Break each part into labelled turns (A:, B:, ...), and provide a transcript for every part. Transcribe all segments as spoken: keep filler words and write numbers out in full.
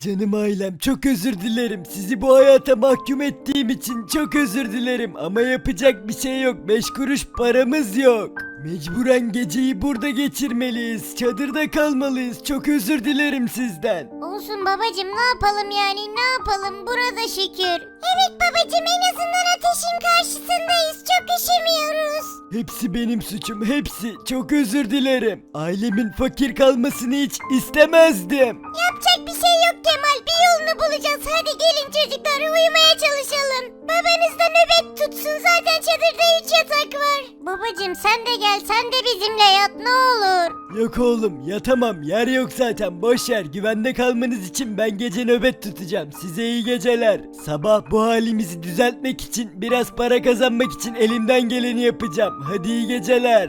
A: Canım ailem, çok özür dilerim. Sizi bu hayata mahkum ettiğim için çok özür dilerim. Ama yapacak bir şey yok. Beş kuruş paramız yok. Mecburen geceyi burada geçirmeliyiz. Çadırda kalmalıyız. Çok özür dilerim sizden.
B: Olsun babacım, ne yapalım yani, ne yapalım, burada şükür. Evet babacım, en azından ateşin karşısındayız, çok üşümüyoruz.
A: Hepsi benim suçum, hepsi. Çok özür dilerim. Ailemin fakir kalmasını hiç istemezdim.
B: Yapacak bir şey yok Kemal, bir yolunu bulacağız. Hadi gelin çocuklar, uyumaya çalışalım. Babanız da nöbet tutsun, zaten çadırda üç yatak var. Babacım sen de gel, sen de bizimle yat ne olur.
A: Yok oğlum, yatamam. Yer yok zaten. Boş yer. Güvende kalmanız için ben gece nöbet tutacağım. Size iyi geceler. Sabah bu halimizi düzeltmek için, biraz para kazanmak için elimden geleni yapacağım. Hadi iyi geceler.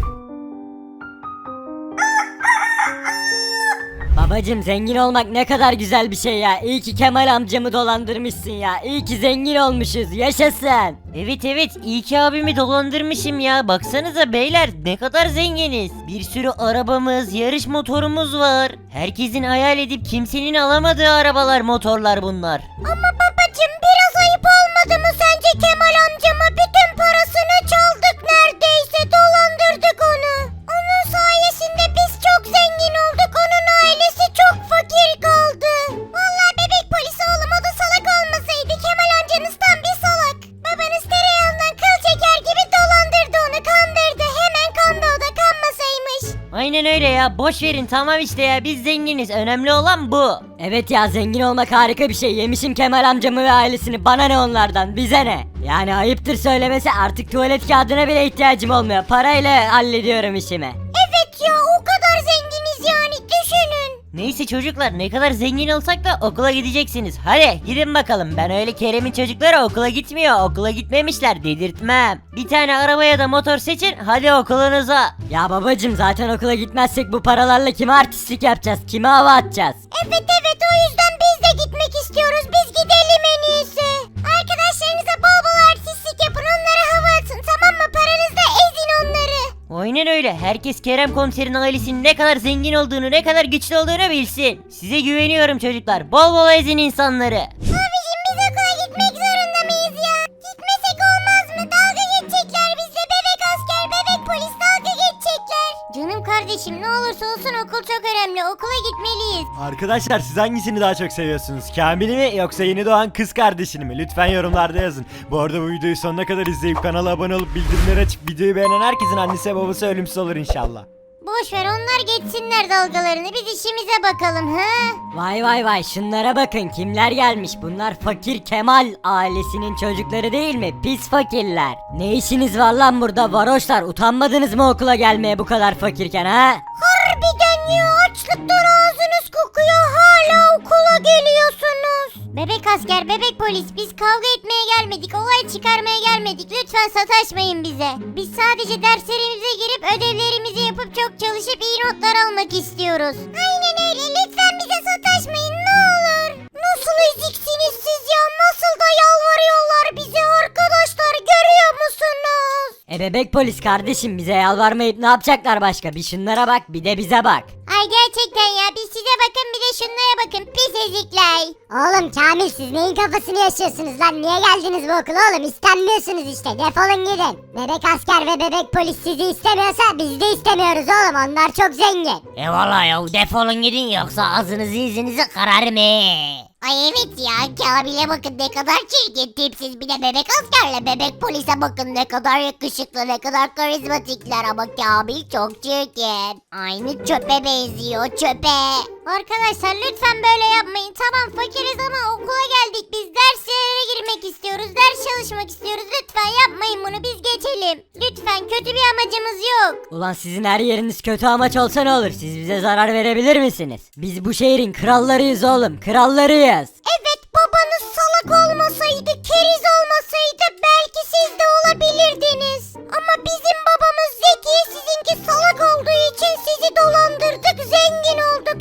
C: Babacım, zengin olmak ne kadar güzel bir şey ya. İyi ki Kemal amcamı dolandırmışsın ya. İyi ki zengin olmuşuz. Yaşasın.
D: Evet evet, iyi ki abimi dolandırmışım ya. Baksanıza beyler, ne kadar zenginiz. Bir sürü arabamız, yarış motorumuz var. Herkesin hayal edip kimsenin alamadığı arabalar, motorlar bunlar.
B: Ama babacım, biraz ayıp olmadı mı sence Kemal amcama? Bütün parasını çaldık neredeyse, dolandırdık onu. Onun sayesinde biz çok zengin olduk, onun ailesi çok fakir kaldı. Vallahi bebek polisi oğlum, o da salak olmasaydı, Kemal amcanız tam bir salak. Babanız tereyağından kıl çeker gibi dolandırdı onu, kandırdı. Hemen kandı, o da kanmasaymış.
D: Aynen öyle ya, boş verin tamam işte ya, biz zenginiz, önemli olan bu.
C: Evet ya, zengin olmak harika bir şey. Yemişim Kemal amcamı ve ailesini. Bana ne onlardan, bize ne? Yani ayıptır söylemesi, artık tuvalet kağıdına bile ihtiyacım olmuyor. Parayla hallediyorum işimi.
B: Evet ya, o kadar zenginiz yani, düşünün.
D: Neyse çocuklar, ne kadar zengin olsak da okula gideceksiniz. Hadi gidin bakalım, ben öyle Kerem'in çocukları okula gitmiyor, okula gitmemişler, dedirtmem. Bir tane araba ya da motor seçin, hadi okulunuza.
C: Ya babacım, zaten okula gitmezsek bu paralarla kime artistlik yapacağız? Kime hava atacağız?
B: Evet evet, o yüzden biz de gitmek istiyoruz, biz gidelim en iyisi. Arkadaşlarınıza bol bol artistlik yapın, onlara hava atın, tamam mı? Paranızla ezin onları.
D: Aynen öyle, herkes Kerem komiserin ailesinin ne kadar zengin olduğunu, ne kadar güçlü olduğunu bilsin. Size güveniyorum çocuklar, bol bol ezin insanları.
B: Abicim, biz okula gitmek zorunda mıyız ya? Gitmesek olmaz mı? Dalga geçecekler bizle, bebek asker, bebek polis dalga geçecekler. Canım kardeşim, ne olursa olsun okul çok önemli, okula gitmeliyiz.
A: Arkadaşlar, siz hangisini daha çok seviyorsunuz? Kamil'i mi yoksa yeni doğan kız kardeşini mi? Lütfen yorumlarda yazın. Bu arada bu videoyu sonuna kadar izleyip kanala abone olup bildirimleri açıp videoyu beğenen herkesin annesi ve babası ölümsüz olur inşallah.
B: Boş ver, onlar geçsinler dalgalarını, biz işimize bakalım ha.
C: Vay vay vay, şunlara bakın, kimler gelmiş? Bunlar fakir Kemal ailesinin çocukları değil mi? Pis fakirler. Ne işiniz var lan burada varoşlar? Utanmadınız mı okula gelmeye bu kadar fakirken ha?
B: Harbiden ya, açlıktan ağzınız kokuyor, hala okula geliyorsunuz. Bebek asker, bebek polis, biz kavga etmeye gelmedik, olay çıkarmaya gelmedik, lütfen sataşmayın bize. Biz sadece derslerimize girip ödevlerimizi yapıp çok çalışıp iyi notlar almak istiyoruz. Aynen öyle, lütfen bize sataşmayın ne olur. Nasıl eziksiniz siz ya, nasıl da yalvarıyorlar bize arkadaşlar, görüyor musunuz?
C: E bebek polis kardeşim, bize yalvarmayıp ne yapacaklar başka? Bir şunlara bak, bir de bize bak.
B: Ay gerçekten ya, bir size bakın bir de şunlara bakın, pis ezikler. Oğlum Kamil, siz neyin kafasını yaşıyorsunuz lan? Niye geldiniz bu okula oğlum? İstenmiyorsunuz işte, defolun gidin. Bebek asker ve bebek polis sizi istemiyorsa biz de istemiyoruz oğlum, onlar çok zengin.
D: E valla ya, defolun gidin yoksa ağzınızı yüzünüzü kararım he.
B: Ay evet ya, Kamil'e bakın ne kadar çirkin tipsiz, bir de bebek askerle bebek polise bakın ne kadar yakışıklı, ne kadar karizmatikler, ama Kamil çok çirkin. Aynı çöpe benziyor, çöpe. Arkadaşlar lütfen böyle yapmayın, tamam fakiriz ama okula geldik, biz derslere girmek istiyoruz, ders çalışmak istiyoruz, lütfen yapmayın bunu, biz geçelim. Lütfen, kötü bir amacımız yok.
C: Ulan sizin her yeriniz kötü amaç olsa ne olur? Siz bize zarar verebilir misiniz? Biz bu şehrin krallarıyız oğlum, krallarıyız.
B: Evet, babanız salak olmasaydı, keriz olmasaydı belki siz de olabilirdiniz. Ama bizim babamız zeki, sizinki salak olduğu için sizi dolandırdık, zengin olduk.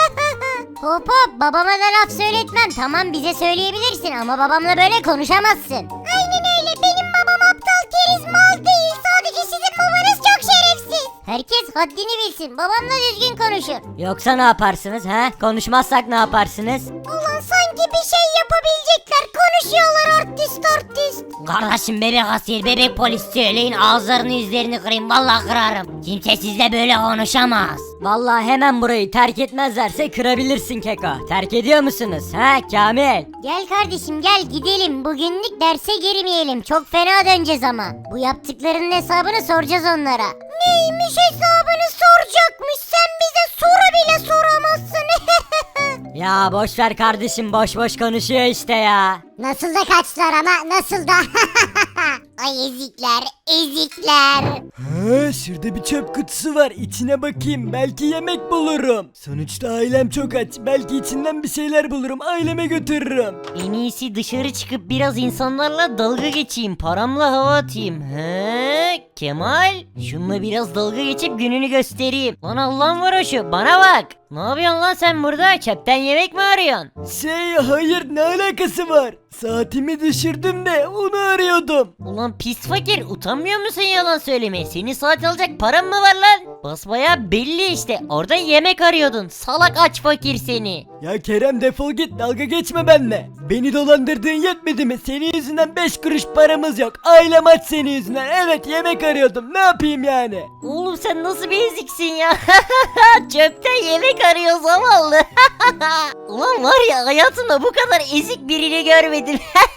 B: Hop hop, babama da laf söyletmem, tamam bize söyleyebilirsin ama babamla böyle konuşamazsın. Aynen öyle, benim babam aptal keriz mal değil, sadece sizin babanız çok şerefsiz. Herkes haddini bilsin. Babamla düzgün konuşur.
C: Yoksa ne yaparsınız he? Konuşmazsak ne yaparsınız?
B: Ulan sanki bir şey yapabilecekler. Konuşuyorlar artist artist.
C: Kardeşim bebek asker bebek polis söyleyin ağızlarını yüzlerini kırayım vallahi kırarım. Kimse sizle böyle konuşamaz. Vallahi hemen burayı terk etmezlerse kırabilirsin Keko. Terk ediyor musunuz he Kamil?
B: Gel kardeşim gel gidelim. Bugünlük derse girmeyelim. Çok fena döneceğiz ama. Bu yaptıklarının hesabını soracağız onlara. Neymiş hesabını soracakmış? Sen bize soru bile soramazsın.
C: Ya boş ver kardeşim boş boş konuşuyor işte ya.
B: Nasıl da kaçtılar ama nasıl da. Ay ezikler ezikler.
A: Ha, şurada bir çöp kutusu var. İçine bakayım. Belki yemek bulurum. Sonuçta ailem çok aç. Belki içinden bir şeyler bulurum. Aileme götürürüm.
D: En iyisi dışarı çıkıp biraz insanlarla dalga geçeyim. Paramla hava atayım. He Kemal. Şununla biraz dalga geçip gününü göstereyim. Lan Allah'ın varoşu bana bak. Ne yapıyorsun lan sen burada? Çöpten yemek mi arıyorsun?
A: Şey hayır ne alakası var? Saatimi düşürdüm de onu arıyordum.
D: Ulan pis fakir utanmıyor musun yalan söylemeye? Senin saat alacak paran mı var lan? Basbaya belli işte. Orada yemek arıyordun. Salak aç fakir seni.
A: Ya Kerem defol git dalga geçme benimle. Beni dolandırdığın yetmedi mi? Senin yüzünden beş kuruş paramız yok. Ailem aç senin yüzünden. Evet yemek arıyordum. Ne yapayım yani?
D: Oğlum sen nasıl bir eziksin ya? Çöpten yemek arıyor zavallı. Ulan var ya hayatımda bu kadar ezik birini görmedim.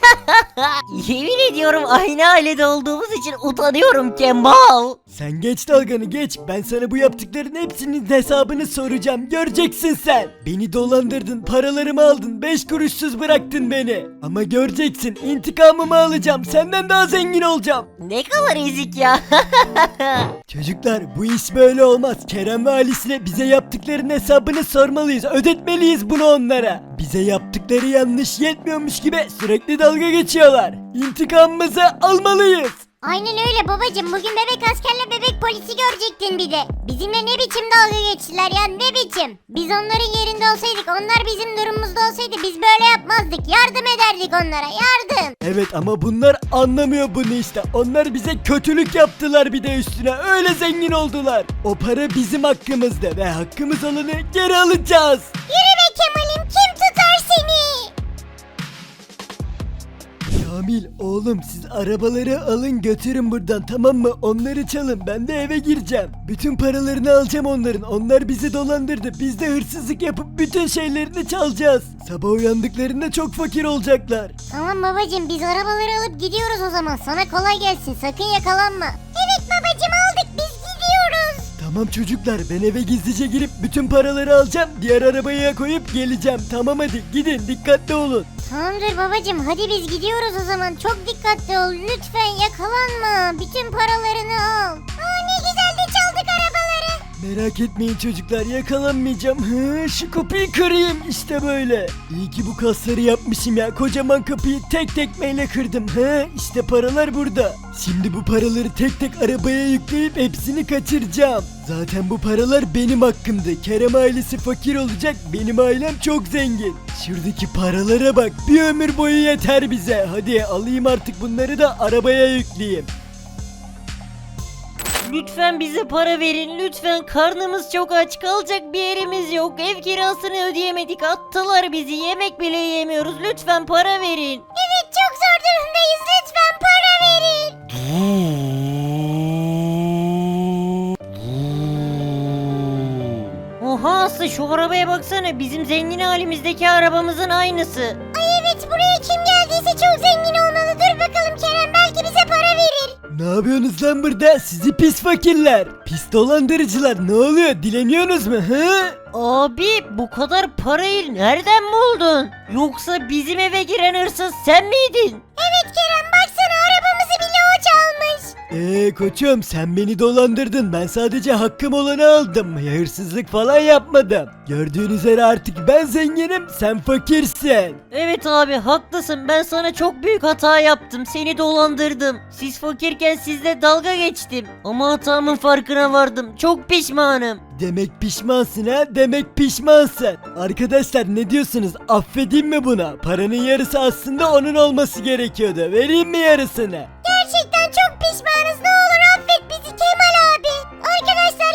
D: Yemin ediyorum aynı ailede olduğumuz için utanıyorum Kemal.
A: Sen geç dalganı geç. Ben sana bu yaptıkların hepsinin hesabını soracağım. Göreceksin sen. Beni dolandırdın, paralarımı aldın, beş kuruşsuz bıraktın beni. Ama göreceksin, intikamımı alacağım. Senden daha zengin olacağım.
D: Ne kadar ezik ya.
A: Çocuklar bu iş böyle olmaz. Kerem ve ailesine bize yaptıklarının hesabını sormalıyız. Ödetmeliyiz bunu onlara. Bize yaptıkları yanlış yetmiyormuş gibi sürekli dalga geçiyorlar. İntikamımızı almalıyız.
B: Aynen öyle babacım. Bugün bebek askerle bebek polisi görecektin bir de. Bizimle ne biçim dalga geçtiler ya ne biçim. Biz onların yerinde olsaydık onlar bizim durumumuzda olsaydı biz böyle yapmazdık. Yardım ederdik onlara yardım.
A: Evet ama bunlar anlamıyor bunu işte. Onlar bize kötülük yaptılar bir de üstüne. Öyle zengin oldular. O para bizim hakkımızda ve hakkımız olanı geri alacağız.
B: Yürü be Kemal'im kim tutar seni?
A: Kamil oğlum siz arabaları alın götürün buradan tamam mı? Onları çalın ben de eve gireceğim. Bütün paralarını alacağım onların. Onlar bizi dolandırdı. Biz de hırsızlık yapıp bütün şeylerini çalacağız. Sabah uyandıklarında çok fakir olacaklar.
B: Tamam babacım biz arabaları alıp gidiyoruz o zaman. Sana kolay gelsin sakın yakalanma. Evet babacım aldık biz gidiyoruz.
A: Tamam çocuklar ben eve gizlice girip bütün paraları alacağım. Diğer arabaya koyup geleceğim. Tamam hadi gidin dikkatli olun.
B: Tamamdır babacım hadi biz gidiyoruz o zaman. Çok dikkatli ol lütfen yakalanma. Bütün paralarını al. Aa ne güzel de çaldık arabaları.
A: Merak etmeyin çocuklar yakalanmayacağım. Hı, şu kapıyı kırayım işte böyle. İyi ki bu kasları yapmışım ya. Kocaman kapıyı tek tekmeyle kırdım. He işte paralar burada. Şimdi bu paraları tek tek arabaya yükleyip hepsini kaçıracağım. Zaten bu paralar benim hakkımdı. Kerem ailesi fakir olacak. Benim ailem çok zengin. Şuradaki paralara bak. Bir ömür boyu yeter bize. Hadi alayım artık bunları da arabaya yükleyeyim.
D: Lütfen bize para verin lütfen karnımız çok aç kalacak bir yerimiz yok ev kirasını ödeyemedik attılar bizi yemek bile yemiyoruz lütfen para verin.
B: Evet çok zor durumdayız lütfen para verin.
D: Oha Aslı şu arabaya baksana bizim zengin halimizdeki arabamızın aynısı.
B: Ay evet buraya kim geldiyse çok zengin olmalı. Dur bakalım Kerem belki bize para verir.
A: Ne yapıyorsunuz lan burada? Sizi pis fakirler. Pis dolandırıcılar. Ne oluyor? Dileniyorsunuz mu? Hı?
D: Abi bu kadar parayı nereden buldun? Yoksa bizim eve giren hırsız sen miydin?
B: Evet Kerem baksana arabamızı bile o çalmış.
A: Eee koçum sen beni dolandırdın. Ben sadece hakkım olanı aldım. Hırsızlık falan yapmadım. Gördüğün üzere artık ben zenginim, sen fakirsin.
D: Evet abi haklısın ben sana çok büyük hata yaptım seni dolandırdım. Siz fakirken sizle dalga geçtim. Ama hatamın farkına vardım çok pişmanım.
A: Demek pişmansın ha? Demek pişmansın. Arkadaşlar ne diyorsunuz? Affedeyim mi buna? Paranın yarısı aslında onun olması gerekiyordu. Vereyim mi yarısını?
B: Gerçekten çok pişmanız ne olur affet bizi Kemal abi. Arkadaşlar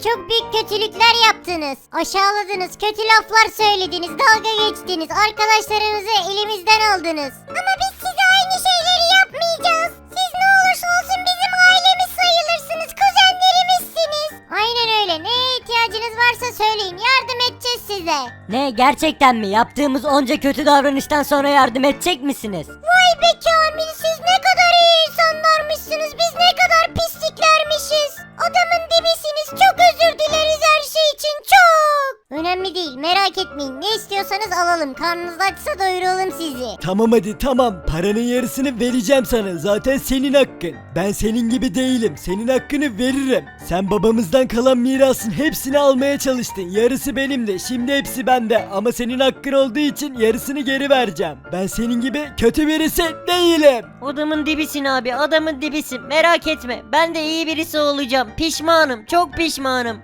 B: çok büyük kötülükler yaptınız. Aşağıladınız, kötü laflar söylediniz, dalga geçtiniz, arkadaşlarınızı elimizden aldınız. Ama biz size aynı şeyleri yapmayacağız. Siz ne olursa olsun bizim ailemiz sayılırsınız, kuzenlerimizsiniz. Aynen öyle, neye ihtiyacınız varsa söyleyin, yardım edeceğiz size.
C: Ne, gerçekten mi? Yaptığımız onca kötü davranıştan sonra yardım edecek misiniz?
B: Vay be Kamil, siz ne kadar iyi insanlarmışsınız, biz ne kadar pisliklermişiz. Adamın dibisiniz, çok özür dileriz her şey için, çok. Önemli değil, merak etmeyin, ne istiyorsanız alalım, karnınız açsa doyuralım sizi.
A: Tamam hadi tamam, paranın yarısını vereceğim sana, zaten senin hakkın. Ben senin gibi değilim, senin hakkını veririm. Sen babamızdan kalan mirasın hepsini almaya çalıştın, yarısı benimdi, şimdi hepsi bende. Ama senin hakkın olduğu için yarısını geri vereceğim. Ben senin gibi kötü birisi değilim.
D: Adamın dibisin abi, adamın dibisin. Merak etme, ben de iyi birisi olacağım. Pişmanım, çok pişmanım.